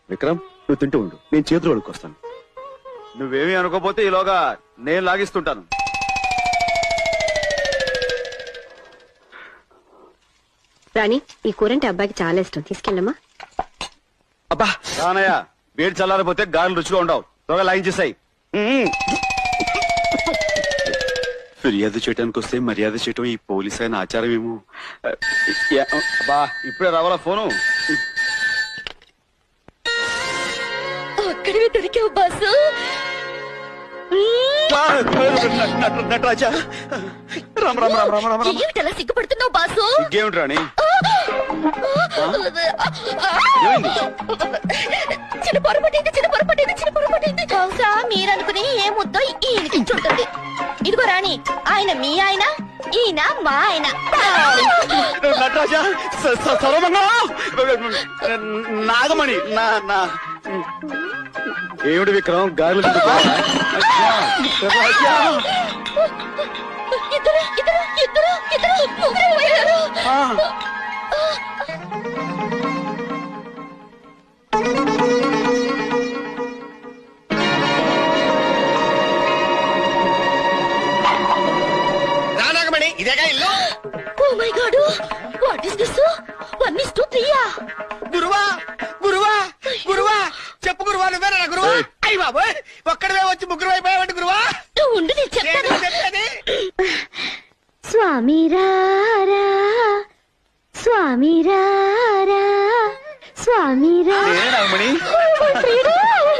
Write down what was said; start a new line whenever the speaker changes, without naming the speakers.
విక్రమ్, నువ్వు తింటూ ఉండు, నేను చేతులు వడుకొస్తాను. నువ్వేమీ అనుకోపోతే ఈలోగా నేను లాగిస్తుంటాను.
రాణి, ఈ కూరంటే అబ్బాయికి చాలా ఇష్టం, తీసుకెళ్ళమ్మా.
అబ్బా రానయ్య, వేడి చల్లారిపోతే గారెలు రుచిగా ఉండవు. త్వరగా లాగించేసాయి. ఫిర్యాదు చేయడానికి వస్తే మర్యాద చేయటం ఈ పోలీస్ అయిన ఆచారం ఏమో. అబ్బా ఇప్పుడే రావాలా ఫోను?
అక్కడివి దొరికావు బాసు.
నటరాజా, రామ్ రామ్ రామ్ రామ్ రామ్ రామ్.
ఏమిటలా సిగ్గుపడుతున్నావు బాసు?
ఇంకేమిటి రాణి?
చిన్న పొరపాటైంది. బహుశా మీరనుకుని ఏ ముద్దో ఈయనకి చుంటుంది. ఇదిగో రాణి, ఆయన మీ ఆయన, ఈయన మా ఆయన.
నటరాజా, నాగమణి, ఏమిటి విక్రమ్ గారులు?
ఇద్దరు ముగ్గురు పోయారు.
నాగమణి, ఇదేగా ఇల్లు?
Oh my god, what is this? 1:3.
గురువా గురువా గురువా, చెప్పు గురువా, నువ్వేనా గురువా? అయ్యి బాబోయ్, ఒక్కడవే వచ్చి ముగ్గురు అయిపోయావంటి గురువా.
ఉండు, నేను చెప్తాను.
చెప్పేది
స్వామి రారా, స్వామి రారా, స్వామి రా.
నాగమణి,